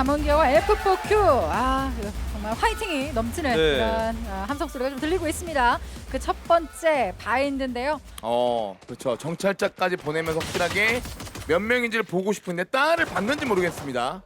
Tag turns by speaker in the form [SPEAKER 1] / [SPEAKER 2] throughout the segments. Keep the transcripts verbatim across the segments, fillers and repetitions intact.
[SPEAKER 1] 담원기아와 에프포큐. 아, 이거 정말 화이팅이 넘치는
[SPEAKER 2] 네.
[SPEAKER 1] 그런 아, 함성 소리가 좀 들리고 있습니다. 그 첫 번째 바인드인데요.
[SPEAKER 3] 어, 그렇죠. 정찰자까지 보내면서 확실하게 몇 명인지를 보고 싶은데 딸을 봤는지 모르겠습니다.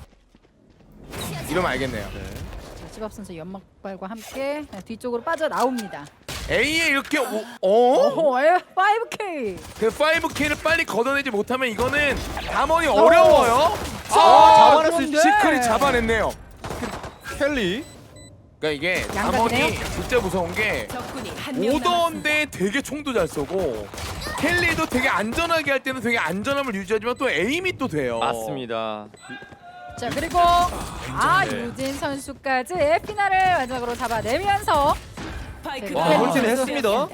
[SPEAKER 3] 이러면 알겠네요.
[SPEAKER 1] 자, 집업 선수 연막발과 함께 뒤쪽으로 빠져 나옵니다.
[SPEAKER 3] A에 이렇게 오, 어?
[SPEAKER 1] 오호, 에, 파이브 케이.
[SPEAKER 3] 그 파이브 케이를 빨리 걷어내지 못하면 이거는 담원이 어려워요.
[SPEAKER 1] 아,
[SPEAKER 2] 잡아낼 수 있-
[SPEAKER 3] 시크릿 잡아냈네요.
[SPEAKER 2] 켈리.
[SPEAKER 3] 그러니까 이게
[SPEAKER 1] 양각이네요.
[SPEAKER 3] 담원이 진짜 무서운 게
[SPEAKER 4] 적군이 한명
[SPEAKER 3] 오더인데 되게 총도 잘 쏘고 켈리도 되게 안전하게 할 때는 되게 안전함을 유지하지만 또 에임이 또 돼요.
[SPEAKER 2] 맞습니다.
[SPEAKER 1] 자, 그리고 아,
[SPEAKER 2] 네.
[SPEAKER 1] 유진 선수까지 에피나를 마지막으로 잡아내면서
[SPEAKER 4] 스파이크가
[SPEAKER 1] 와,
[SPEAKER 4] 설치는
[SPEAKER 1] 홀진을
[SPEAKER 2] 했습니다.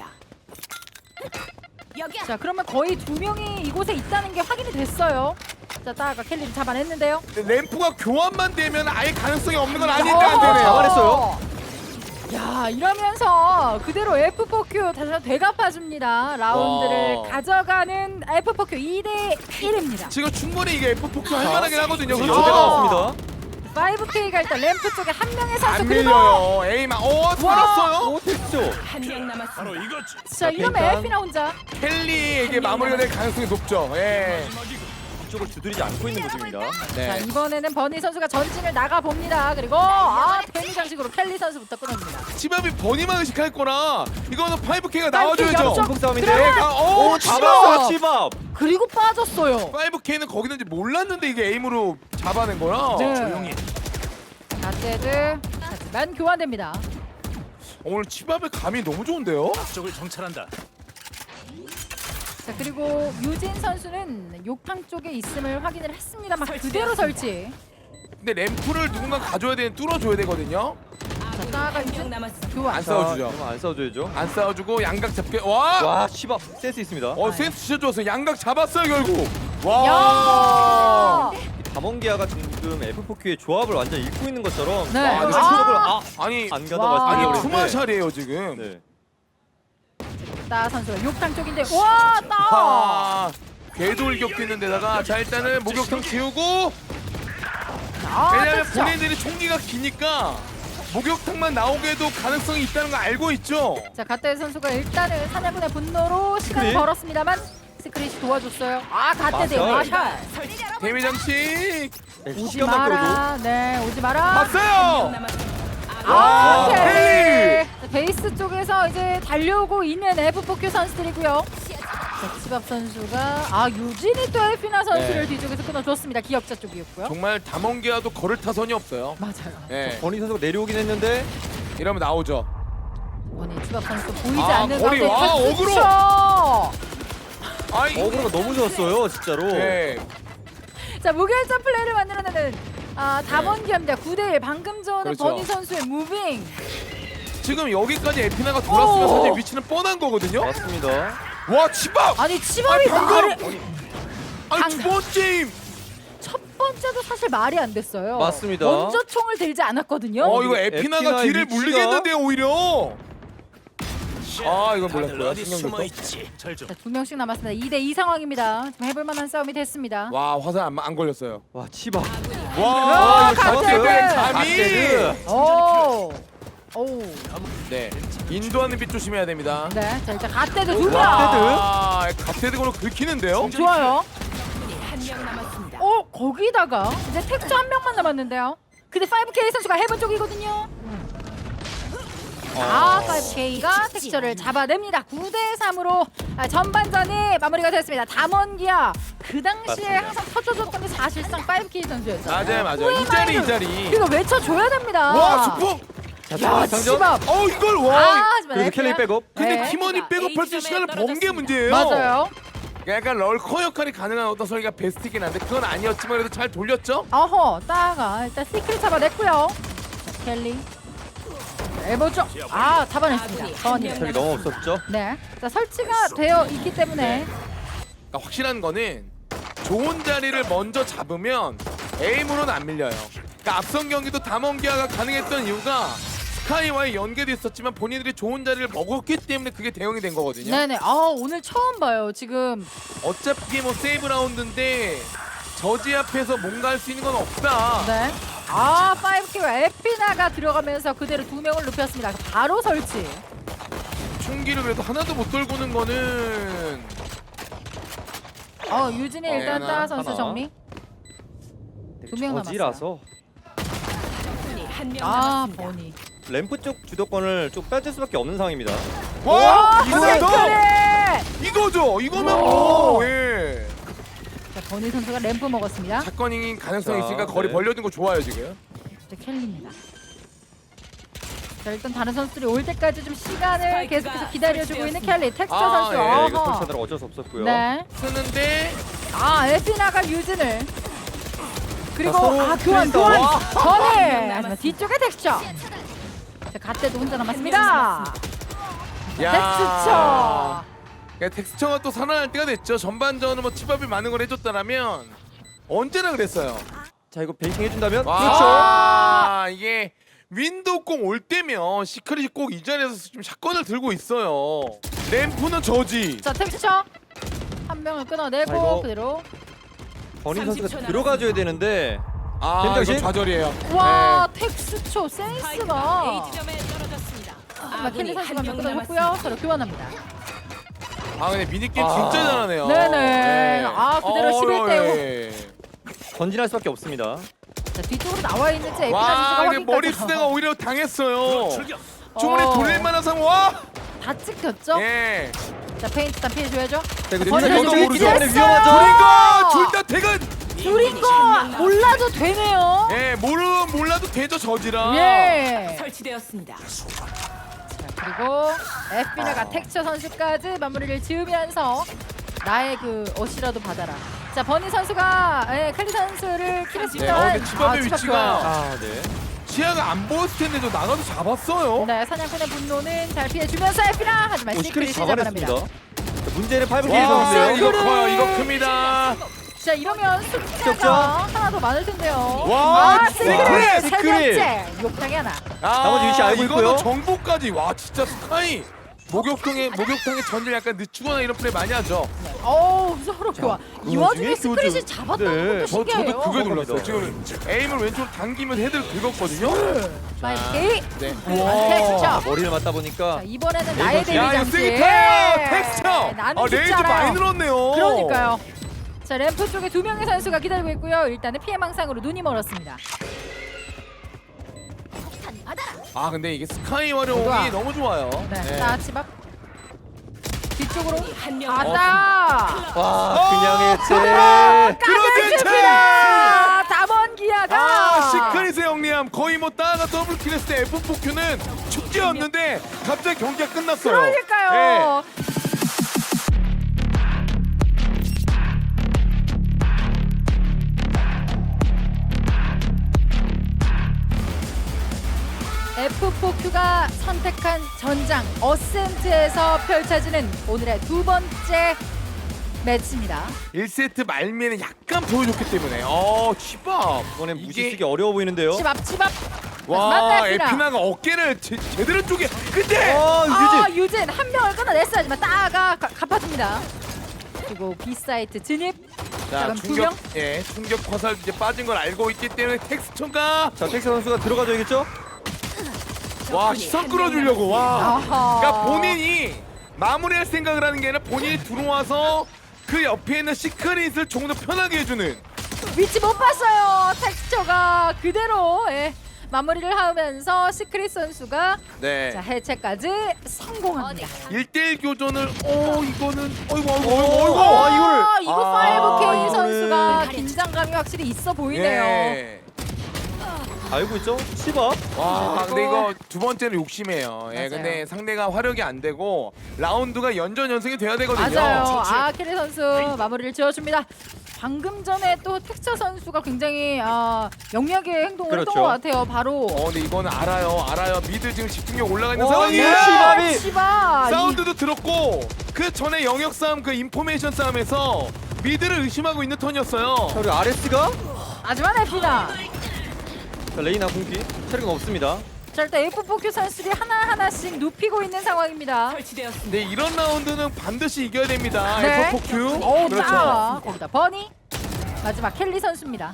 [SPEAKER 4] 여기야.
[SPEAKER 1] 자, 그러면 거의 두 명이 이곳에 있다는 게 확인이 됐어요. 자, 따가 켈리를 잡아냈는데요.
[SPEAKER 3] 근데 램프가 교환만 되면 아예 가능성이 없는 건 아닌데
[SPEAKER 1] 어,
[SPEAKER 3] 안 되네요.
[SPEAKER 2] 잡아냈어요.
[SPEAKER 1] 야, 이러면서 그대로 에프포큐 다시 한번 되갚아줍니다. 라운드를
[SPEAKER 3] 와.
[SPEAKER 1] 가져가는 에프포큐 이 대 일입니다.
[SPEAKER 3] 지금 충분히 이게 에프포큐 할 만하긴 하거든요.
[SPEAKER 2] 여대
[SPEAKER 3] 그렇죠?
[SPEAKER 2] 나왔습니다.
[SPEAKER 1] 파이브 케이가 일단 램프 쪽에 한 명의 선수
[SPEAKER 3] 안
[SPEAKER 1] 그리고
[SPEAKER 3] 밀려요. 에임 어 살았어요.
[SPEAKER 2] 오, 됐죠.
[SPEAKER 4] 한명 남았습니다.
[SPEAKER 1] 자, 이러면
[SPEAKER 2] 펜타.
[SPEAKER 1] 에피나 혼자.
[SPEAKER 3] 켈리에게 마무리가 될 가능성이 높죠. 예.
[SPEAKER 2] 이쪽을 두드리지 않고 있는 모습입니다.
[SPEAKER 1] 자,
[SPEAKER 3] 네.
[SPEAKER 1] 이번에는 버니 선수가 전진을 나가 봅니다. 그리고 아, 데미 장식으로 켈리 선수부터 끊어줍니다.
[SPEAKER 3] 치밥이 버니만 의식할 거라 이거는 파이브 케이가
[SPEAKER 1] 파이브 케이
[SPEAKER 3] 나와줘야죠.
[SPEAKER 1] 역전.
[SPEAKER 2] 중국 싸움인데.
[SPEAKER 1] 그러면-
[SPEAKER 3] 네, 오,
[SPEAKER 2] 오,
[SPEAKER 3] 치밥.
[SPEAKER 2] 잡았어요, 치밥.
[SPEAKER 1] 그리고 빠졌어요.
[SPEAKER 3] 파이브 케이는 거기 있는지 몰랐는데 이게 에임으로 잡아낸 거라.
[SPEAKER 1] 네.
[SPEAKER 3] 조용히.
[SPEAKER 1] 가테드 하지만 교환됩니다.
[SPEAKER 3] 오늘 치밥의 감이 너무 좋은데요?
[SPEAKER 5] 쪽을 정찰한다.
[SPEAKER 1] 자, 그리고 유진 선수는 욕탕 쪽에 있음을 확인을 했습니다. 막
[SPEAKER 4] 설치되었습니다.
[SPEAKER 1] 그대로 설치.
[SPEAKER 3] 근데 램프를 누군가 가져야 되는 뚫어줘야 되거든요.
[SPEAKER 1] 자, 따가
[SPEAKER 4] 한명
[SPEAKER 1] 유진
[SPEAKER 4] 남았습니다.
[SPEAKER 1] 교환.
[SPEAKER 3] 안 싸워주죠.
[SPEAKER 2] 그럼 안 싸워줘야죠.
[SPEAKER 3] 안 싸워주고 양각 잡게. 와.
[SPEAKER 2] 와, 치밥 센스 있습니다.
[SPEAKER 3] 어 센스 진짜 좋았어요. 양각 잡았어요 결국. 와.
[SPEAKER 1] 야!
[SPEAKER 2] 담원기아가 지금 에프포큐의 조합을 완전 읽고 있는 것처럼
[SPEAKER 1] 네.
[SPEAKER 2] 아,
[SPEAKER 3] 아,
[SPEAKER 2] 추적을 아,
[SPEAKER 3] 아니
[SPEAKER 2] 안 가다
[SPEAKER 1] 와.
[SPEAKER 3] 아니
[SPEAKER 2] 말씀드렸는데.
[SPEAKER 3] 투마샬이에요 지금.
[SPEAKER 2] 네.
[SPEAKER 1] 따 선수가 욕탕 쪽인데 와, 따!
[SPEAKER 3] 아, 궤돌격도 있는 데다가 자 일단은 목욕탕 지우고
[SPEAKER 1] 아,
[SPEAKER 3] 왜냐면
[SPEAKER 1] 됐죠.
[SPEAKER 3] 본인들이 총기가 기니까 목욕탕만 나오게도 가능성이 있다는 거 알고 있죠.
[SPEAKER 1] 자, 가테 선수가 일단은 사냥꾼의 분노로 시간을
[SPEAKER 2] 스크린?
[SPEAKER 1] 벌었습니다만 스크릿이 도와줬어요. 아, 가테 대
[SPEAKER 2] 마샬.
[SPEAKER 1] 마샬.
[SPEAKER 3] 데미 장식
[SPEAKER 1] 오지
[SPEAKER 2] 시간만 끌어도
[SPEAKER 1] 마라. 네, 오지 마라.
[SPEAKER 3] 봤어요.
[SPEAKER 4] 남았습니다.
[SPEAKER 1] 아,
[SPEAKER 3] 와,
[SPEAKER 1] 켈리. 자, 베이스 쪽에서 이제 달려오고 있는 에프포큐 선수들이고요. 자, 치밥 선수가 아, 유진이 또 에피나 선수를
[SPEAKER 3] 네.
[SPEAKER 1] 뒤쪽에서 끊어줬습니다. 기억자 쪽이었고요.
[SPEAKER 3] 정말 담원기아도 걸을 타선이 없어요.
[SPEAKER 1] 맞아요.
[SPEAKER 3] 예,
[SPEAKER 2] 버니 선수가 내려오긴 했는데
[SPEAKER 3] 이러면 나오죠.
[SPEAKER 1] 원희 치밥 선수 보이지
[SPEAKER 3] 아,
[SPEAKER 1] 않는
[SPEAKER 3] 거리,
[SPEAKER 1] 가운데
[SPEAKER 3] 와,
[SPEAKER 1] 탁
[SPEAKER 3] 어그로!
[SPEAKER 1] 스쳐!
[SPEAKER 3] 아이,
[SPEAKER 2] 어그로가 너무 좋았어요, 진짜로.
[SPEAKER 3] 예,
[SPEAKER 1] 자, 무결점 플레이를 만들어내는 아, 담원기입니다. 구 대 일. 방금 전에
[SPEAKER 3] 그렇죠.
[SPEAKER 1] 버니 선수의 무빙.
[SPEAKER 3] 지금 여기까지 에피나가 돌았으면
[SPEAKER 1] 오!
[SPEAKER 3] 사실 위치는 뻔한 거거든요.
[SPEAKER 2] 맞습니다.
[SPEAKER 3] 와 치밥!
[SPEAKER 1] 아니, 치밥이
[SPEAKER 3] 아니, 방금!
[SPEAKER 1] 말이
[SPEAKER 3] 아니
[SPEAKER 1] 방-
[SPEAKER 3] 두 번째 힘!
[SPEAKER 1] 첫 번째도 사실 말이 안 됐어요.
[SPEAKER 2] 맞습니다.
[SPEAKER 1] 먼저 총을 들지 않았거든요.
[SPEAKER 3] 어 이거
[SPEAKER 2] 에피나의
[SPEAKER 3] 에피나가 뒤를
[SPEAKER 2] 위치가-
[SPEAKER 3] 물리겠는데요 오히려. 아 이건
[SPEAKER 5] 다들
[SPEAKER 3] 몰랐고요.
[SPEAKER 5] 어디
[SPEAKER 3] 신경
[SPEAKER 5] 숨어
[SPEAKER 3] 썼어.
[SPEAKER 5] 있지? 절 좀.
[SPEAKER 1] 자, 두 명씩 남았습니다. 이 대 이 상황입니다. 지금 해볼 만한 싸움이 됐습니다.
[SPEAKER 3] 와 화살 안, 안 걸렸어요.
[SPEAKER 2] 와, 치밥.
[SPEAKER 3] 와
[SPEAKER 1] 아,
[SPEAKER 3] 이거
[SPEAKER 1] 갓데드!
[SPEAKER 3] 갓데드 감이.
[SPEAKER 2] 갓데드.
[SPEAKER 1] 오. 오.
[SPEAKER 3] 네 인도하는 빛 조심해야 됩니다.
[SPEAKER 1] 네. 자, 일단 갓데드 두 명.
[SPEAKER 3] 와 갓데드고로 긁히는데요.
[SPEAKER 1] 좋아요.
[SPEAKER 4] 한명 남았습니다.
[SPEAKER 1] 어, 거기다가 이제 텍스 한 명만 남았는데요. 근데 파이브 케이 선수가 해본 쪽이거든요. 아, 파이브 케이가 텍스처를 잡아냅니다. 구 대 삼으로 아, 전반전이 마무리가 됐습니다. 담원기아 그 당시에
[SPEAKER 2] 맞습니다.
[SPEAKER 1] 항상 터져줬던 게 사실상 파이브 케이 선수였어요.
[SPEAKER 3] 맞아요 맞아요 이 자리 이 자리.
[SPEAKER 1] 이거 외쳐줘야 됩니다.
[SPEAKER 3] 와 수폭.
[SPEAKER 2] 자,
[SPEAKER 1] 야,
[SPEAKER 2] 상점.
[SPEAKER 1] 치밥.
[SPEAKER 3] 어 이걸 와.
[SPEAKER 1] 아, 하지만
[SPEAKER 2] 그래도
[SPEAKER 1] 에피나-
[SPEAKER 2] 켈리 백업.
[SPEAKER 3] 근데
[SPEAKER 1] 네.
[SPEAKER 3] 팀원이 백업할 수 있는 시간을 번 게 문제예요.
[SPEAKER 1] 맞아요.
[SPEAKER 3] 약간 럴커 역할이 가능한 어떤 설계가 베스트긴 한데 그건 아니었지만 그래도 잘 돌렸죠?
[SPEAKER 1] 어허, 따가 일단 시크릿 잡아냈고요. 자, 켈리. 해보죠. 아, 잡아냈습니다. 버니.
[SPEAKER 2] kel리 너무 없었죠?
[SPEAKER 1] 네. 자, 설치가 되어 있기 때문에
[SPEAKER 3] 그러니까 확실한 거는 좋은 자리를 먼저 잡으면 에임으로는 안 밀려요. 그러니까 앞선 경기도 담원기아가 가능했던 이유가 스카이와의 연계도 있었지만 본인들이 좋은 자리를 먹었기 때문에 그게 대응이 된 거거든요.
[SPEAKER 1] 네네. 아, 오늘 처음 봐요. 지금
[SPEAKER 3] 어차피 뭐 세이브 라운드인데 저지 앞에서 뭔가 할 수 있는 건 없다.
[SPEAKER 1] 네. 아, 파이브키와 에피나가 들어가면서 그대로 두 명을 눕혔습니다. 바로 설치.
[SPEAKER 3] 총기를 그래도 하나도 못 돌고는 거는
[SPEAKER 1] 어, 유진이 일단
[SPEAKER 3] 하나,
[SPEAKER 1] 따 선수
[SPEAKER 2] 하나.
[SPEAKER 1] 정리. 두명 남았어요.
[SPEAKER 2] 저지라서
[SPEAKER 4] 적군이 한 명
[SPEAKER 1] 아,
[SPEAKER 4] 남았습니다.
[SPEAKER 1] 버니.
[SPEAKER 2] 램프 쪽 주도권을 좀 빼줄 수밖에 없는 상황입니다.
[SPEAKER 3] 와 이거야 너
[SPEAKER 1] 시크릿!
[SPEAKER 3] 이거죠. 이거면
[SPEAKER 1] 와.
[SPEAKER 3] 뭐 예.
[SPEAKER 1] 자, 버니 선수가 램프 먹었습니다.
[SPEAKER 3] 사건인 가능성이
[SPEAKER 2] 자,
[SPEAKER 3] 있으니까 거리
[SPEAKER 2] 네.
[SPEAKER 3] 벌려준 거 좋아요 지금.
[SPEAKER 1] 이제 켈리입니다. 자, 일단 다른 선수들이 올 때까지 좀 시간을
[SPEAKER 4] 스파이크가
[SPEAKER 1] 계속해서 기다려주고 있는
[SPEAKER 4] 설치되었습니다.
[SPEAKER 1] 켈리. 텍스처
[SPEAKER 3] 아,
[SPEAKER 1] 선수.
[SPEAKER 3] 예,
[SPEAKER 2] 네, 이거
[SPEAKER 1] 어허.
[SPEAKER 2] 설치하느라 어쩔 수 없었고요.
[SPEAKER 1] 네.
[SPEAKER 3] 쓰는데
[SPEAKER 1] 아, 에피나가 유진을. 그리고
[SPEAKER 2] 자, 서로
[SPEAKER 1] 아, 교환,
[SPEAKER 2] 프리스타.
[SPEAKER 1] 교환.
[SPEAKER 3] 와.
[SPEAKER 1] 버니. 하지만 뒤쪽에 텍스처. 자, 갓대도 혼자 남았습니다. 텍스처.
[SPEAKER 3] 야, 텍스처가 또 살아날 때가 됐죠. 전반전은 뭐 치밥이 많은 걸 해줬다라면 언제나 그랬어요.
[SPEAKER 2] 자 이거 베이킹 해준다면
[SPEAKER 3] 와,
[SPEAKER 2] 그렇죠.
[SPEAKER 3] 이게 윈도우 공 올 때면 시크릿이 꼭 이 자리에서 좀 샷건을 들고 있어요. 램프는 저지.
[SPEAKER 1] 자, 텍스처. 한 명을
[SPEAKER 2] 자,
[SPEAKER 1] 끊어내고
[SPEAKER 2] 이거
[SPEAKER 1] 그대로.
[SPEAKER 2] 버니
[SPEAKER 4] 삼십 초
[SPEAKER 2] 선수가 들어가줘야 되는데
[SPEAKER 3] 아,
[SPEAKER 2] 변장신?
[SPEAKER 3] 이건 좌절이에요.
[SPEAKER 1] 와,
[SPEAKER 3] 네.
[SPEAKER 1] 텍스처
[SPEAKER 4] 스파이크가
[SPEAKER 1] 센스가.
[SPEAKER 4] A 지점에 떨어졌습니다.
[SPEAKER 1] 아, 켈리
[SPEAKER 4] 아군이
[SPEAKER 1] 선수가
[SPEAKER 4] 한 명
[SPEAKER 1] 끊어줬고요.
[SPEAKER 4] 남았습니다.
[SPEAKER 1] 서로 교환합니다.
[SPEAKER 3] 아, 근데 미니게임
[SPEAKER 2] 아.
[SPEAKER 3] 진짜 잘하네요.
[SPEAKER 1] 네네. 아, 그대로 십일 대 오.
[SPEAKER 3] 예.
[SPEAKER 2] 전진할 수밖에 없습니다.
[SPEAKER 1] 자, 뒤쪽으로 나와 있는지 에피나
[SPEAKER 3] 와,
[SPEAKER 1] 선수가
[SPEAKER 3] 근데
[SPEAKER 1] 확인까지.
[SPEAKER 3] 머리 쓰다가 오히려 당했어요. 주문에
[SPEAKER 1] 어.
[SPEAKER 3] 돌릴 만한 상황. 와!
[SPEAKER 1] 다 찍혔죠?
[SPEAKER 3] 예.
[SPEAKER 1] 자, 페인트 일단 피해줘야죠.
[SPEAKER 2] 자 이거
[SPEAKER 1] 버니
[SPEAKER 2] 뒤쪽에
[SPEAKER 1] 선수
[SPEAKER 2] 뒤쪽에
[SPEAKER 1] 위치했어요.
[SPEAKER 2] 뒤쪽에 위험하죠.
[SPEAKER 3] 둘인가? 둘 다 퇴근.
[SPEAKER 1] 둘인 거 몰라도 되네요.
[SPEAKER 3] 예, 모르 몰라도 되죠 저지라.
[SPEAKER 1] 예.
[SPEAKER 4] 설치되었습니다.
[SPEAKER 1] 자, 그리고 에피나가 텍스처 선수까지 마무리를 지으면서 나의 그 옷이라도 받아라. 자, 버니 선수가 예, 칼리 선수를
[SPEAKER 3] 네, 어,
[SPEAKER 1] 킬했습니다.
[SPEAKER 3] 근데 치밥의 위치가
[SPEAKER 2] 아 네.
[SPEAKER 3] 시야가 안 보였을 텐데도 나가서 잡았어요.
[SPEAKER 1] 네, 사냥꾼의 분노는 잘 피해주면서 에피나 하지만
[SPEAKER 2] 오,
[SPEAKER 1] 시크릿이
[SPEAKER 2] 시크릿
[SPEAKER 1] 잡아냅니다.
[SPEAKER 2] 잡아냈습니다. 자, 문제는 파이브 K
[SPEAKER 3] 와,
[SPEAKER 2] 선수인데요.
[SPEAKER 3] 이거
[SPEAKER 1] 시크릿!
[SPEAKER 3] 커요. 이거 큽니다.
[SPEAKER 1] 자, 이러면
[SPEAKER 2] 격자?
[SPEAKER 1] 숫자가 하나 더 많을 텐데요.
[SPEAKER 3] 와,
[SPEAKER 1] 아,
[SPEAKER 3] 시크릿!
[SPEAKER 1] 시크릿! 세
[SPEAKER 2] 시크릿!
[SPEAKER 1] 번째! 욕탕이 하나.
[SPEAKER 3] 아,
[SPEAKER 2] 나머지 위치 알고
[SPEAKER 3] 이거는
[SPEAKER 2] 있고요.
[SPEAKER 3] 정보까지. 와, 진짜 스카이. 목욕탕에 목욕탕에 전절 약간 늦추거나 이런 플레이 많이 하죠.
[SPEAKER 1] 어우, 서로 좋아. 이
[SPEAKER 2] 그
[SPEAKER 1] 와중에
[SPEAKER 2] 와중에
[SPEAKER 1] 스크릿이
[SPEAKER 2] 교주.
[SPEAKER 1] 잡았다는
[SPEAKER 2] 네,
[SPEAKER 1] 것도
[SPEAKER 3] 저
[SPEAKER 1] 신기해요.
[SPEAKER 3] 저도 그게 놀랐어요.
[SPEAKER 2] 정확합니다.
[SPEAKER 3] 지금 에임을 왼쪽으로 당기면 헤드를 긁었거든요.
[SPEAKER 1] 파이브 K.
[SPEAKER 3] 네.
[SPEAKER 1] 텍스처.
[SPEAKER 2] 머리를 맞다 보니까
[SPEAKER 1] 자, 이번에는 나의
[SPEAKER 2] 야,
[SPEAKER 1] 데뷔
[SPEAKER 3] 야, 이거
[SPEAKER 1] 장치.
[SPEAKER 3] 세게 텍스처.
[SPEAKER 1] 네, 나는
[SPEAKER 3] 아,
[SPEAKER 1] 죽지
[SPEAKER 3] 레이즈 많이
[SPEAKER 1] 않아요.
[SPEAKER 3] 늘었네요.
[SPEAKER 1] 그러니까요. 자, 램프 쪽에 두 명의 선수가 기다리고 있고요. 일단은 피해 망상으로 눈이 멀었습니다.
[SPEAKER 3] 아, 근데 이게 스카이 활용이
[SPEAKER 1] 좋아.
[SPEAKER 3] 너무 좋아요.
[SPEAKER 1] 네.
[SPEAKER 3] 네.
[SPEAKER 1] 자, 치밥. 뒤쪽으로
[SPEAKER 4] 한명
[SPEAKER 1] 가다.
[SPEAKER 2] 와 그냥 했지.
[SPEAKER 1] 까들줍니다. 담원기아가.
[SPEAKER 3] 아, 시크릿의 영리함 거의 뭐 따가 더블 킬했을 때 에프 사 큐는 축제였는데 갑자기 경기가 끝났어요.
[SPEAKER 1] 그러니까요. 에프 사 큐가 선택한 전장 어센트에서 펼쳐지는 오늘의 두 번째 매치입니다.
[SPEAKER 3] 일 세트 말미에는 약간 보여줬기 때문에 어 치밥
[SPEAKER 2] 이번엔
[SPEAKER 3] 이게-
[SPEAKER 2] 무시 쓰기 어려워 보이는데요.
[SPEAKER 1] 치밥 치밥.
[SPEAKER 3] 와
[SPEAKER 1] 마지막 에피나.
[SPEAKER 3] 에피나가 어깨를 제, 제대로 쪼개 근데
[SPEAKER 2] 어
[SPEAKER 1] 아,
[SPEAKER 2] 유진.
[SPEAKER 1] 유진 한 명을 끊어냈어요. 하지만 따가 가- 갚아줍니다. 그리고 B 사이트 진입.
[SPEAKER 3] 자
[SPEAKER 1] 그럼 두
[SPEAKER 3] 충격
[SPEAKER 1] 명?
[SPEAKER 3] 예 충격 화살 이제 빠진 걸 알고 있기 때문에 텍스처가
[SPEAKER 2] 자 텍스 선수가 들어가줘야겠죠?
[SPEAKER 3] 와 시선 끌어주려고 와
[SPEAKER 1] 아하.
[SPEAKER 3] 그러니까 본인이 마무리할 생각을 하는 게 아니라 본인이 들어와서 그 옆에 있는 시크릿을 조금 더 편하게 해주는
[SPEAKER 1] 위치 못 봤어요. 텍스처가 그대로 예, 마무리를 하면서 시크릿 선수가
[SPEAKER 3] 네
[SPEAKER 1] 자, 해체까지 성공합니다.
[SPEAKER 3] 일 대일 교전을 어 이거는 어이구 어이구 어이구
[SPEAKER 2] 어,
[SPEAKER 3] 어이구
[SPEAKER 2] 아, 이거를.
[SPEAKER 1] 아, 이거
[SPEAKER 3] 아,
[SPEAKER 1] 파이브 케이
[SPEAKER 3] 이거를.
[SPEAKER 1] 선수가 긴장감이 확실히 있어 보이네요.
[SPEAKER 3] 예.
[SPEAKER 2] 알고 있죠? 치밥.
[SPEAKER 3] 와 근데
[SPEAKER 1] 그리고-
[SPEAKER 3] 이거 두 번째는 욕심이에요. 예,
[SPEAKER 1] 맞아요.
[SPEAKER 3] 근데 상대가 화력이 안 되고 라운드가 연전 연승이 돼야 되거든요.
[SPEAKER 1] 맞아요. 아, 캐리 선수 마무리를 지어줍니다. 방금 전에 또 텍스처 선수가 굉장히 아, 영리하게 행동을 했던
[SPEAKER 2] 그렇죠.
[SPEAKER 1] 것 같아요. 바로
[SPEAKER 3] 어 근데 이거는 알아요, 알아요. 미드 지금 집중력 올라가 있는
[SPEAKER 2] 어,
[SPEAKER 3] 상황이에요.
[SPEAKER 2] 예. 치밥이-
[SPEAKER 1] 치밥.
[SPEAKER 3] 사운드도 들었고 그 전에 영역 싸움, 그 인포메이션 싸움에서 미드를 의심하고 있는 턴이었어요.
[SPEAKER 2] 자 그리고 아레스가
[SPEAKER 1] 하지만 에피나.
[SPEAKER 2] 자, 레이나 공기 체력은 없습니다.
[SPEAKER 1] 자, 일단 에프 사 큐 선수들이 하나하나씩 눕히고 있는 상황입니다.
[SPEAKER 4] 설치되었습니다.
[SPEAKER 3] 근데 이런 라운드는 반드시 이겨야 됩니다.
[SPEAKER 1] 네.
[SPEAKER 3] 에프 사 큐.
[SPEAKER 1] 오,
[SPEAKER 3] 그렇죠.
[SPEAKER 1] 자, 거기다 버니. 마지막 켈리 선수입니다.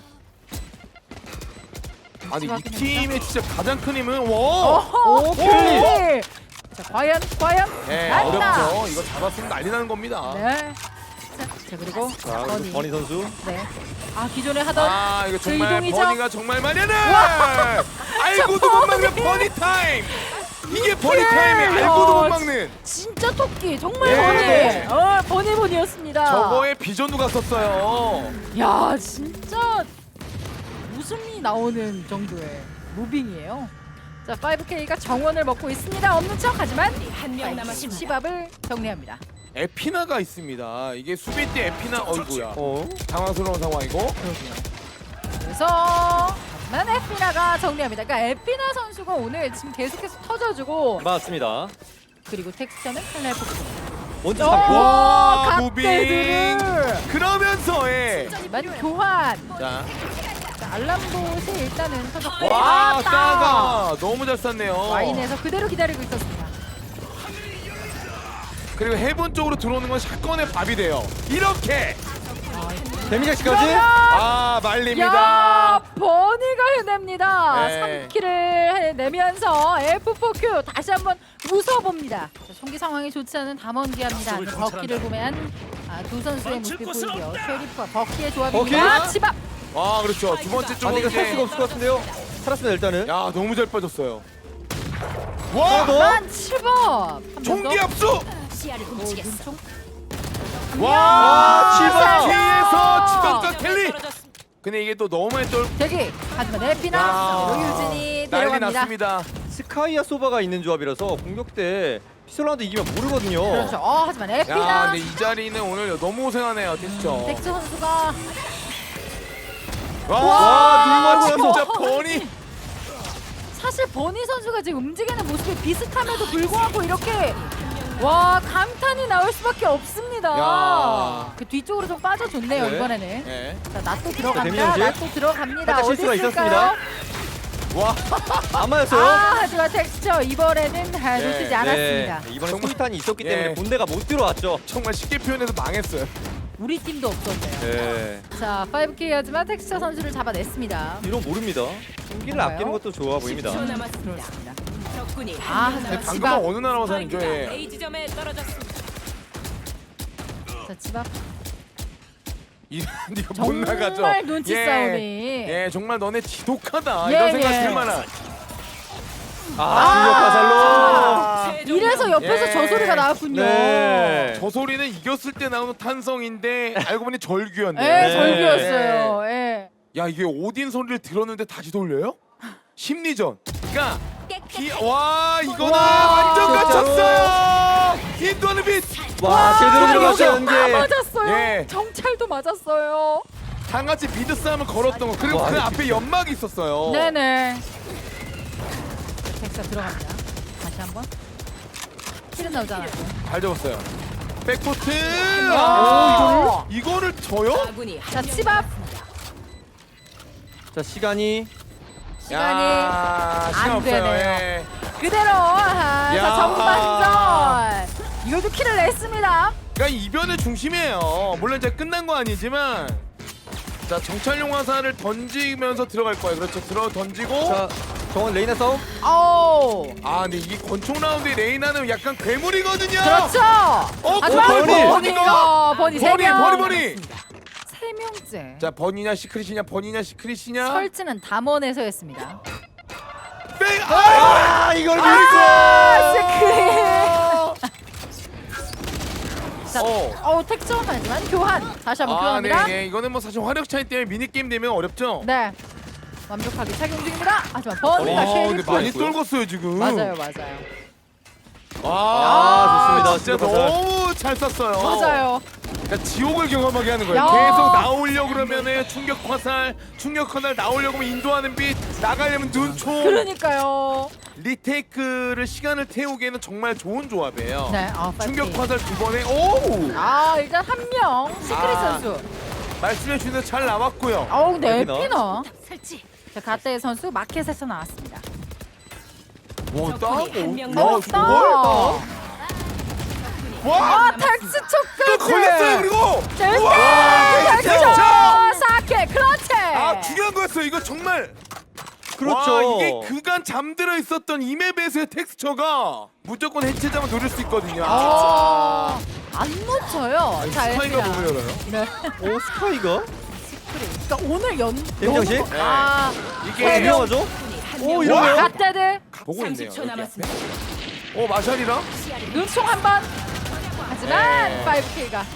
[SPEAKER 3] 아니 이
[SPEAKER 1] 확인했죠?
[SPEAKER 3] 팀의 진짜 가장 큰 힘은 와.
[SPEAKER 1] 오호, 켈리. 자, 과연 과연
[SPEAKER 3] 예,
[SPEAKER 1] 난다.
[SPEAKER 3] 어렵죠. 이거 잡았으면 난리 나는 겁니다.
[SPEAKER 1] 네. 자, 자 그리고
[SPEAKER 2] 자, 그리고
[SPEAKER 1] 버니.
[SPEAKER 2] 버니 선수.
[SPEAKER 1] 네. 아 기존에 하던
[SPEAKER 3] 아 이거 정말
[SPEAKER 1] 이동이죠?
[SPEAKER 3] 버니가 정말 말이네. 알고도 못 막는 버니 타임. 이게 버니 타임이 알고도 못 막는.
[SPEAKER 1] 진짜 토끼 정말
[SPEAKER 3] 예.
[SPEAKER 1] 버니. 어 버니 버니였습니다.
[SPEAKER 3] 저거에 비전도 갔었어요.
[SPEAKER 1] 야 진짜 웃음이 나오는 정도의 무빙이에요. 자 파이브 케이가 정원을 먹고 있습니다. 없는 척 하지만
[SPEAKER 4] 한 명 남았습니다.
[SPEAKER 1] 시밥을 정리합니다.
[SPEAKER 3] 에피나가 있습니다. 이게 수비 때 에피나 어이구야.
[SPEAKER 2] 어.
[SPEAKER 3] 당황스러운 상황이고.
[SPEAKER 1] 그래서 하지만 에피나가 정리합니다. 그러니까 에피나 선수가 오늘 지금 계속해서 터져주고
[SPEAKER 2] 맞습니다.
[SPEAKER 1] 그리고 텍스처는 칼날 폭풍.
[SPEAKER 2] 먼저
[SPEAKER 1] 오,
[SPEAKER 2] 잡고.
[SPEAKER 3] 와, 무빙.
[SPEAKER 1] 갓데드를.
[SPEAKER 3] 그러면서 예.
[SPEAKER 1] 하지만 교환.
[SPEAKER 3] 자,
[SPEAKER 1] 자, 알람봇이 일단은 터졌고
[SPEAKER 3] 와,
[SPEAKER 1] 왔다.
[SPEAKER 3] 따가 너무 잘 쐈네요.
[SPEAKER 1] 와인에서 그대로 기다리고 있었습니다.
[SPEAKER 3] 그리고 해본 쪽으로 들어오는 건 샷건의 밥이 돼요. 이렇게.
[SPEAKER 2] 데미지까지.
[SPEAKER 3] 아, 말립니다.
[SPEAKER 1] 야 버니가 해냅니다.
[SPEAKER 3] 네.
[SPEAKER 1] 삼 킬을 해내면서 에프 포 큐 다시 한번 웃어봅니다. 자, 총기 상황이 좋지 않은 담원기합니다. 버키를 구매한 아, 두 선수의 모습이 보이고요. 쉐리프와 버키의 조합입니다.
[SPEAKER 2] 버키?
[SPEAKER 1] 치밥.
[SPEAKER 3] 아, 그렇죠. 두 번째
[SPEAKER 2] 아니
[SPEAKER 3] 쪽은
[SPEAKER 2] 이거 살 수가
[SPEAKER 3] 이제
[SPEAKER 2] 없을 것 같은데요. 살았습니다 일단은.
[SPEAKER 3] 야, 너무 잘 빠졌어요.
[SPEAKER 2] 하나
[SPEAKER 3] 와!
[SPEAKER 2] 더.
[SPEAKER 1] 만 치밥.
[SPEAKER 3] 총기 압수!
[SPEAKER 4] 시야를 훔치겠어.
[SPEAKER 1] 눈총.
[SPEAKER 3] 와!
[SPEAKER 1] 치밥.
[SPEAKER 3] 치밥 뒤에서 치밥과
[SPEAKER 4] 한 명
[SPEAKER 3] 켈리!
[SPEAKER 4] 떨어졌습니다.
[SPEAKER 3] 근데 이게 또 너무의 쫄
[SPEAKER 1] 대기. 하지만 에피나
[SPEAKER 3] 야,
[SPEAKER 1] 유진이
[SPEAKER 3] 난리
[SPEAKER 1] 데려갑니다.
[SPEAKER 3] 났습니다.
[SPEAKER 2] 스카이아 소바가 있는 조합이라서 공격 때 피솔라운드 이기면 모르거든요.
[SPEAKER 1] 그렇죠. 어 하지만
[SPEAKER 3] 야,
[SPEAKER 1] 에피나
[SPEAKER 3] 근데 이 자리는 오늘 너무 고생하네요, 텍스처.
[SPEAKER 1] 텍스 선수가
[SPEAKER 3] 와,
[SPEAKER 2] 와,
[SPEAKER 3] 진짜
[SPEAKER 1] 눈맞고.
[SPEAKER 3] 버니.
[SPEAKER 1] 사실 버니 선수가 지금 움직이는 모습이 비슷함에도 불구하고 이렇게 와 감탄이 나올 수밖에 없습니다.
[SPEAKER 3] 야.
[SPEAKER 1] 그 뒤쪽으로 좀 빠져줬네요
[SPEAKER 2] 네.
[SPEAKER 1] 이번에는.
[SPEAKER 3] 예.
[SPEAKER 1] 자 나또
[SPEAKER 2] 자,
[SPEAKER 1] 들어갑니다.
[SPEAKER 2] 데미안즈.
[SPEAKER 1] 나또 들어갑니다.
[SPEAKER 2] 살짝
[SPEAKER 1] 어디
[SPEAKER 2] 실수가
[SPEAKER 1] 있을까요?
[SPEAKER 2] 있었습니다.
[SPEAKER 3] 와,
[SPEAKER 2] 안 맞았어요.
[SPEAKER 1] 아 하지만 텍스처 이번에는 아,
[SPEAKER 3] 네,
[SPEAKER 1] 놓치지 않았습니다.
[SPEAKER 2] 네, 이번에
[SPEAKER 3] 정말-
[SPEAKER 2] 수류탄이 있었기
[SPEAKER 3] 예.
[SPEAKER 2] 때문에 본대가 못 들어왔죠.
[SPEAKER 3] 정말 쉽게 표현해서 망했어요.
[SPEAKER 1] 우리 팀도 없었네요.
[SPEAKER 2] 네.
[SPEAKER 1] 자 파이브 케이 하지만 텍스처 선수를 잡아냈습니다.
[SPEAKER 2] 이런 모릅니다. 총기를
[SPEAKER 1] 뭔가요?
[SPEAKER 2] 아끼는 것도 좋아 보입니다.
[SPEAKER 4] 십 초 남았습니다.
[SPEAKER 1] 그렇습니다.
[SPEAKER 4] 적군이
[SPEAKER 1] 아,
[SPEAKER 4] 한 명
[SPEAKER 1] 네,
[SPEAKER 3] 방금
[SPEAKER 4] 남았습니다.
[SPEAKER 1] 지방.
[SPEAKER 3] 어느 나라 와서 하는
[SPEAKER 4] 스파이크가
[SPEAKER 3] 거예요?
[SPEAKER 4] A 지점에 떨어졌습니다.
[SPEAKER 1] 자 치밥
[SPEAKER 3] 이런 니가 못 나가죠.
[SPEAKER 1] 정말 눈치
[SPEAKER 3] 예.
[SPEAKER 1] 싸움이.
[SPEAKER 3] 예, 정말 너네 지독하다.
[SPEAKER 1] 예,
[SPEAKER 3] 이런
[SPEAKER 1] 예.
[SPEAKER 3] 생각 들 만한.
[SPEAKER 2] 아, 중력 화살로.
[SPEAKER 4] 최종
[SPEAKER 1] 이래서 옆에서
[SPEAKER 3] 예.
[SPEAKER 1] 저 소리가 나왔군요.
[SPEAKER 2] 네.
[SPEAKER 3] 저 소리는 이겼을 때 나오는 탄성인데 알고 보니 절규였네.
[SPEAKER 1] 예,
[SPEAKER 2] 네.
[SPEAKER 1] 절규였어요. 예.
[SPEAKER 3] 야, 이게 오딘 소리를 들었는데 다시 돌려요? 심리전. 그러니까 이, 와, 이거는
[SPEAKER 1] 와,
[SPEAKER 3] 완전
[SPEAKER 2] 진짜로?
[SPEAKER 3] 갇혔어요. 인도하는 빛.
[SPEAKER 2] 와, 제대로 들어갔죠
[SPEAKER 1] 여기 다
[SPEAKER 2] 연계.
[SPEAKER 1] 맞았어요.
[SPEAKER 3] 예.
[SPEAKER 1] 정찰도 맞았어요.
[SPEAKER 3] 다 같이 미드 싸움을 걸었던 거. 그리고
[SPEAKER 2] 와,
[SPEAKER 3] 그
[SPEAKER 2] 이거
[SPEAKER 3] 앞에 연막이 있었어요.
[SPEAKER 1] 네네. 텍사 들어갑니다. 다시 한번. 킬은 나오지 않았고.
[SPEAKER 3] 잘 잡았어요. 백포트.
[SPEAKER 1] 아,
[SPEAKER 3] 아, 이거를 져요?
[SPEAKER 4] 아군이
[SPEAKER 1] 자
[SPEAKER 4] 한명
[SPEAKER 1] 치밥
[SPEAKER 2] 자 시간이
[SPEAKER 1] 시간이
[SPEAKER 3] 야, 시간
[SPEAKER 1] 안
[SPEAKER 3] 없어요.
[SPEAKER 1] 되네요.
[SPEAKER 3] 예.
[SPEAKER 1] 그대로 아,
[SPEAKER 3] 야.
[SPEAKER 1] 자 전반전 이걸도 킬을 냈습니다.
[SPEAKER 3] 그러니까 이변의 중심이에요. 물론 이제 끝난 거 아니지만 자 정찰용 화살을 던지면서 들어갈 거예요. 그렇죠. 들어 던지고
[SPEAKER 2] 자 정원 레이나 싸움.
[SPEAKER 1] 오
[SPEAKER 3] 아 근데 이게 권총 라운드의 레이나는 약간 괴물이거든요.
[SPEAKER 1] 그렇죠.
[SPEAKER 3] 어,
[SPEAKER 1] 하지만
[SPEAKER 2] 버니!
[SPEAKER 1] 버니가 버니 세
[SPEAKER 3] 버니
[SPEAKER 1] 명.
[SPEAKER 3] 버니 버니.
[SPEAKER 1] 세 명째.
[SPEAKER 3] 자 버니냐 시크릿이냐 버니냐 시크릿이냐.
[SPEAKER 1] 설치는 담원에서 했습니다.
[SPEAKER 3] 뺑! 아!
[SPEAKER 2] 아 이걸
[SPEAKER 1] 아,
[SPEAKER 2] 밀고.
[SPEAKER 1] 자,
[SPEAKER 3] 어.
[SPEAKER 1] 어 택점은 하지만 교환. 다시 한번
[SPEAKER 3] 아,
[SPEAKER 1] 교환합니다.
[SPEAKER 3] 네, 네. 이거는 뭐 사실 화력 차이 때문에 미니 게임 되면 어렵죠.
[SPEAKER 1] 네. 완벽하게 착용 중입니다. 하지만 버니가
[SPEAKER 3] 와, 근데
[SPEAKER 1] 쉐리프.
[SPEAKER 3] 많이 떨궜어요 지금.
[SPEAKER 1] 맞아요, 맞아요.
[SPEAKER 3] 와,
[SPEAKER 2] 아, 좋습니다.
[SPEAKER 3] 진짜
[SPEAKER 2] 진짜
[SPEAKER 3] 너무 잘 쐈어요.
[SPEAKER 1] 맞아요.
[SPEAKER 3] 그러니까 지옥을 경험하게 하는 거예요.
[SPEAKER 1] 야.
[SPEAKER 3] 계속 나오려고 그러면은 충격 화살, 충격 화살 나오려고 하면 인도하는 빛, 나가려면 눈총.
[SPEAKER 1] 그러니까요.
[SPEAKER 3] 리테이크를 시간을 태우기에는 정말 좋은 조합이에요.
[SPEAKER 1] 네, 아,
[SPEAKER 3] 충격
[SPEAKER 1] 파이팅.
[SPEAKER 3] 화살 두 번에 오!
[SPEAKER 1] 아, 일단 한 명. 시크릿
[SPEAKER 3] 아.
[SPEAKER 1] 선수.
[SPEAKER 3] 말씀해 주신 대로 잘 나왔고요.
[SPEAKER 1] 어우, 근데
[SPEAKER 2] 에피나.
[SPEAKER 1] 에피나.
[SPEAKER 4] 설치.
[SPEAKER 1] 자, 가떼 선수 마켓에서 나왔습니다.
[SPEAKER 3] 와,
[SPEAKER 4] 적군이
[SPEAKER 3] 따고.
[SPEAKER 4] 한명
[SPEAKER 3] 야,
[SPEAKER 4] 남았습니다.
[SPEAKER 3] 저걸?
[SPEAKER 1] 와,
[SPEAKER 3] 와!
[SPEAKER 1] 텍스
[SPEAKER 3] 또
[SPEAKER 1] 초까지.
[SPEAKER 3] 걸렸어요, 그리고!
[SPEAKER 1] 자,
[SPEAKER 3] 우와,
[SPEAKER 1] 일단
[SPEAKER 3] 텍스
[SPEAKER 1] 텍스
[SPEAKER 3] 초!
[SPEAKER 1] 사 어깨 클러치.
[SPEAKER 3] 아 중요한 거였어요. 이거 정말.
[SPEAKER 2] 그렇죠.
[SPEAKER 3] 와, 이게 그간 잠들어 있었던 이 맵에서의 텍스처가 무조건 해체자만 노릴 수 있거든요.
[SPEAKER 1] 아, 안 놓쳐요. 자,
[SPEAKER 3] 스파이가
[SPEAKER 1] 엘피나.
[SPEAKER 3] 몸을 열어요.
[SPEAKER 1] 네.
[SPEAKER 2] 오 스카이가
[SPEAKER 1] 스크린. 그러니까 오늘 연.
[SPEAKER 2] 데미장식?
[SPEAKER 1] 너무- 아,
[SPEAKER 3] 이게
[SPEAKER 1] 세 명.
[SPEAKER 2] 유명하죠?
[SPEAKER 4] 오
[SPEAKER 2] 오 이러면
[SPEAKER 1] 갓데드.
[SPEAKER 3] 보고 있네요.
[SPEAKER 4] 삼십 초
[SPEAKER 3] 여기 앞에.
[SPEAKER 4] 남았습니다.
[SPEAKER 3] 오 마샬이랑
[SPEAKER 4] 시야를
[SPEAKER 1] 눈총 한 번. 하지만
[SPEAKER 3] 네.
[SPEAKER 1] 파이브 킬가.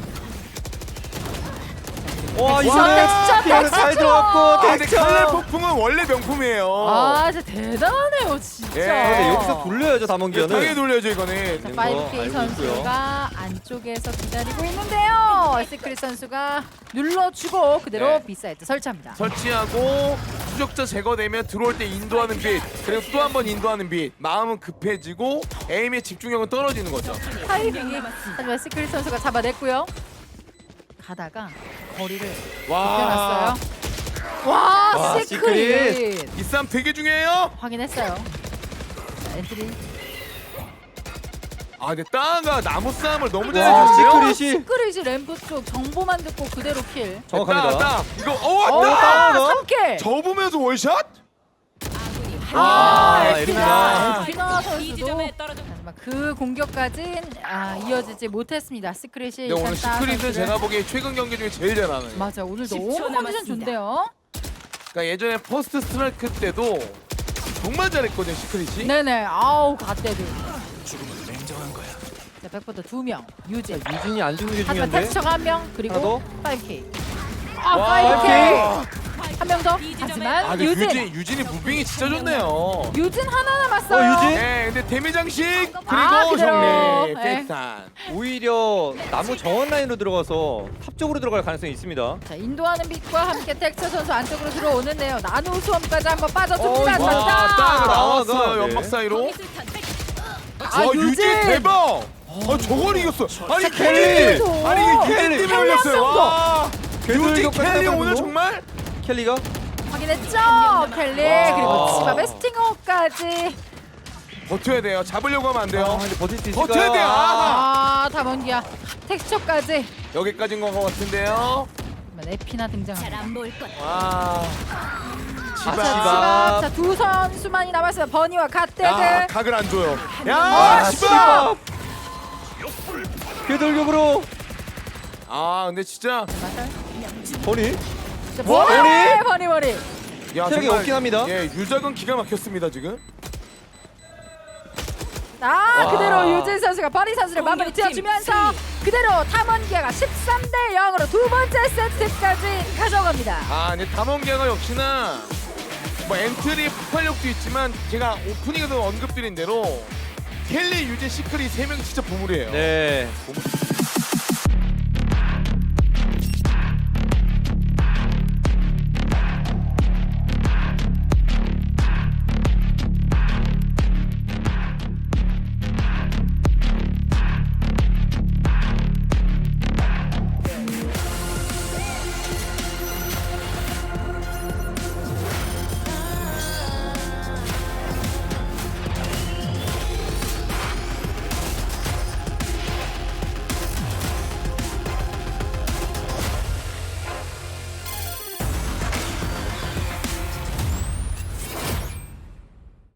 [SPEAKER 2] 와
[SPEAKER 1] 텍스처,
[SPEAKER 2] 이번에
[SPEAKER 1] 텍스처,
[SPEAKER 2] 피아노 잘
[SPEAKER 1] 텍스처.
[SPEAKER 2] 들어갔고
[SPEAKER 3] 아, 근데
[SPEAKER 2] 텍스처.
[SPEAKER 3] 칼날 폭풍은 원래 명품이에요.
[SPEAKER 1] 아, 진짜 대단하네요, 진짜.
[SPEAKER 3] 예.
[SPEAKER 2] 근데 여기서 돌려야죠
[SPEAKER 3] 이거
[SPEAKER 2] 담원기아는.
[SPEAKER 3] 당연히 돌려야죠 이거는.
[SPEAKER 1] 자,
[SPEAKER 2] 거
[SPEAKER 1] 파이브 케이
[SPEAKER 2] 알고
[SPEAKER 1] 선수가 안쪽에서 기다리고 있는데요. 시크릿 선수가 눌러주고 그대로
[SPEAKER 3] 네.
[SPEAKER 1] 비사이트 설치합니다.
[SPEAKER 3] 설치하고 추적자 제거되면 들어올 때 인도하는 빛, 그리고 또 한 번 인도하는 빛. 마음은 급해지고 에임의 집중력은 떨어지는 거죠.
[SPEAKER 1] 타이밍이 하지만 시크릿 선수가 잡아냈고요. 가다가 거리를
[SPEAKER 3] 와,
[SPEAKER 1] 펴놨어요. 와,
[SPEAKER 2] 와,
[SPEAKER 1] 시크릿.
[SPEAKER 3] 이 싸움 되게 중요해요.
[SPEAKER 1] 확인했어요. 자, 엔트리.
[SPEAKER 3] 아, 근데 따가 나무 싸움을 너무
[SPEAKER 2] 와
[SPEAKER 3] 잘해주는데요.
[SPEAKER 2] 시크릿이
[SPEAKER 1] 시크릿이 램프 쪽 정보만 듣고 그대로 킬.
[SPEAKER 2] 정확합니다.
[SPEAKER 3] 따, 따. 이거 어,
[SPEAKER 1] 어,
[SPEAKER 3] 왔다.
[SPEAKER 2] 따.
[SPEAKER 1] 삼 킬.
[SPEAKER 3] 접으면서 월샷?
[SPEAKER 4] 아군이 한
[SPEAKER 1] 아,
[SPEAKER 2] 아,
[SPEAKER 1] 엘피나.
[SPEAKER 2] 엘피나.
[SPEAKER 1] 엘피나
[SPEAKER 4] 이
[SPEAKER 1] 선수도
[SPEAKER 4] 지점에 떨어져.
[SPEAKER 1] 하지만 그 공격까진 아, 이어지지 못했습니다. 시크릿이
[SPEAKER 3] 근데 오늘
[SPEAKER 1] 일단 따
[SPEAKER 3] 시크릿은
[SPEAKER 1] 선수를-
[SPEAKER 3] 제가 보기에 최근 경기 중에 제일 잘하는.
[SPEAKER 1] 맞아, 오늘
[SPEAKER 4] 십 초
[SPEAKER 1] 너무 컨디션
[SPEAKER 4] 남았습니다.
[SPEAKER 1] 좋은데요.
[SPEAKER 3] 그러니까 예전에 퍼스트 스트라이크 때도 정말 잘했거든요 시크릿이.
[SPEAKER 1] 네네, 아우 갓데드. 자, 백퍼터 두 명, 유진.
[SPEAKER 2] 유진이 안 죽는 게
[SPEAKER 1] 하지만
[SPEAKER 2] 중요한데.
[SPEAKER 1] 텍스처가 한 명, 그리고
[SPEAKER 2] 하나 더?
[SPEAKER 1] 파이브 케이. 아,
[SPEAKER 3] 와,
[SPEAKER 1] 파이브 케이. 한 명 더.
[SPEAKER 4] 이 지점에-
[SPEAKER 1] 하지만
[SPEAKER 3] 아, 근데
[SPEAKER 1] 유진.
[SPEAKER 3] 유진 유진이 무빙이 진짜 좋네요.
[SPEAKER 1] 유진 하나 남았어요.
[SPEAKER 2] 어, 유진?
[SPEAKER 3] 네, 근데 데미 장식 그리고
[SPEAKER 1] 아, 그대로.
[SPEAKER 3] 정리.
[SPEAKER 1] 네.
[SPEAKER 3] 팩탄.
[SPEAKER 2] 오히려 나무 정원 라인으로 들어가서 탑 쪽으로 들어갈 가능성이 있습니다.
[SPEAKER 1] 자, 인도하는 빛과 함께 텍스처 선수 안쪽으로 들어오는데요. 나노 수험까지 한번
[SPEAKER 2] 어,
[SPEAKER 1] 빠져줍니다.
[SPEAKER 2] 와,
[SPEAKER 3] 와,
[SPEAKER 1] 자,
[SPEAKER 3] 따가 나왔어요
[SPEAKER 2] 따가, 네.
[SPEAKER 3] 연막 사이로.
[SPEAKER 4] 거기술탄 백.
[SPEAKER 1] 아,
[SPEAKER 3] 와
[SPEAKER 1] 유진.
[SPEAKER 3] 유진 대박. 아 저걸 이겼어. 아니
[SPEAKER 2] 켈리.
[SPEAKER 3] 켈리. 아니 이게 유진
[SPEAKER 2] 켈리.
[SPEAKER 3] 때문에 올렸어요.
[SPEAKER 1] 켈리
[SPEAKER 3] 와. 유진
[SPEAKER 2] 궤돌격까지
[SPEAKER 3] 켈리
[SPEAKER 2] 따고
[SPEAKER 3] 오늘
[SPEAKER 2] 있는
[SPEAKER 3] 정말.
[SPEAKER 2] 켈리가
[SPEAKER 1] 확인했죠? 켈리.
[SPEAKER 3] 와.
[SPEAKER 1] 그리고 치밥의 스팅어까지.
[SPEAKER 3] 버텨야 돼요. 잡으려고 하면 안
[SPEAKER 2] 아,
[SPEAKER 3] 돼요.
[SPEAKER 2] 근데 버틸 수 있을까요?
[SPEAKER 3] 버텨야 돼요. 아.
[SPEAKER 1] 아, 다mon기아. 텍스처까지.
[SPEAKER 3] 여기까지인 것 같은데요.
[SPEAKER 1] 에피나 등장합니다.
[SPEAKER 4] 잘 안 보일 것.
[SPEAKER 3] 와.
[SPEAKER 1] 자,
[SPEAKER 3] 치바.
[SPEAKER 1] 치밥. 자, 두 선수만이 남았어요. 버니와 갓데드.
[SPEAKER 3] 야 각을 안 줘요. 야
[SPEAKER 2] 아,
[SPEAKER 3] 치바.
[SPEAKER 2] 궤돌격으로
[SPEAKER 3] 아 근데 진짜.
[SPEAKER 2] 버니
[SPEAKER 1] 자, 버니, 버니, 버니.
[SPEAKER 3] 야
[SPEAKER 2] 체력이
[SPEAKER 3] 정말,
[SPEAKER 2] 없긴 합니다.
[SPEAKER 3] 예 유작은 기가 막혔습니다 지금.
[SPEAKER 1] 아,
[SPEAKER 2] 와.
[SPEAKER 1] 그대로 유진 선수가 버니 선수를 마무리
[SPEAKER 4] 공격팀
[SPEAKER 1] 지어주면서 그대로 탐원기아가 십삼 대 영으로 두 번째 세트까지 가져갑니다.
[SPEAKER 3] 아 근데 담원기아가 역시나 뭐 엔트리 폭발력도 있지만 제가 오프닝에서 언급드린 대로 켈리, 유진, 시크릿 세 명이 진짜 보물이에요.
[SPEAKER 2] 네.